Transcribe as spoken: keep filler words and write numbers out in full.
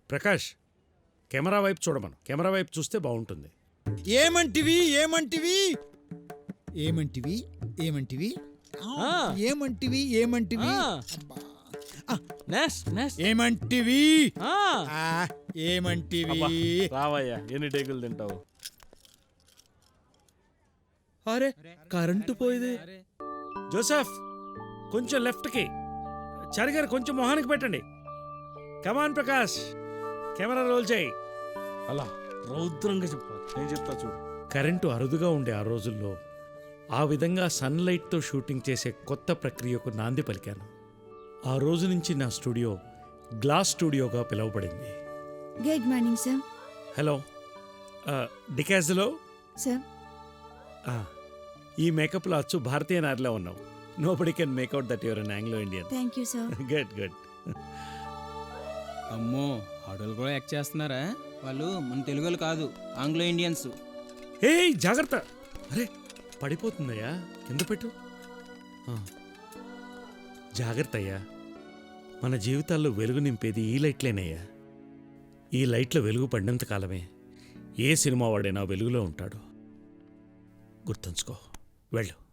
Prakash camera వైపు చూడమను. Camera వైపు చూస్తే బాగుంటుంది. ఏమంటివి ఏమంటివి ఏమంటివి ఏమంటివి ఆ. ఏమంటివి ఏమంటివి ఆ. అబ్బా. నెక్స్ట్ నెక్స్ట్ ఏమంటివి ఆ. ఆ, ఏమంటివి అబ్బా, రావయ్యా ఎన్ని టేకులు తింటావు. అరే కరెంటు పోయింది. జోసెఫ్ కొంచెం లెఫ్ట్కి, చారి గారు కొంచెం మొహానికి పెట్టండి. కమాన్ ప్రకాష్, కెమెరా రోల్ చేయి. అలా రౌద్రంగా చెప్పాలి. నేను చెప్తా చూడు. కరెంటు అరుదుగా ఉండే ఆ రోజుల్లో ఆ విధంగా సన్లైట్తో షూటింగ్ చేసే కొత్త ప్రక్రియకు నాంది పలికాను. ఆ రోజు నుంచి నా స్టూడియో గ్లాస్ స్టూడియోగా పిలువబడింది. Good morning sir. హలో డికాజ్లో సార్ ఈ మేకప్లో అచ్చు భారతీయ నారిలో ఉన్నావు. Nobody can make out that you're an Anglo Indian. Thank you sir. Good good. అమ్మో ఆడోళ్ళు కూడా యాక్ట్ చేస్తున్నారా? వాళ్ళు మన తెలుగులు కాదు, ఆంగ్లో ఇండియన్స్. ఏ జాగ్రత్త, అరే పడిపోతుందయ్యా, కింద పెట్టు. ఆ. జాగ్రత్త అయ్యా, మన జీవితాల్లో వెలుగు నింపేది ఈ లైట్లేనయ్యా. ఈ లైట్లో వెలుగు పడినంత కాలమే ఏ సినిమా వాడైనా వెలుగులో ఉంటాడు. గుర్తుంచుకో, వెళ్ళు.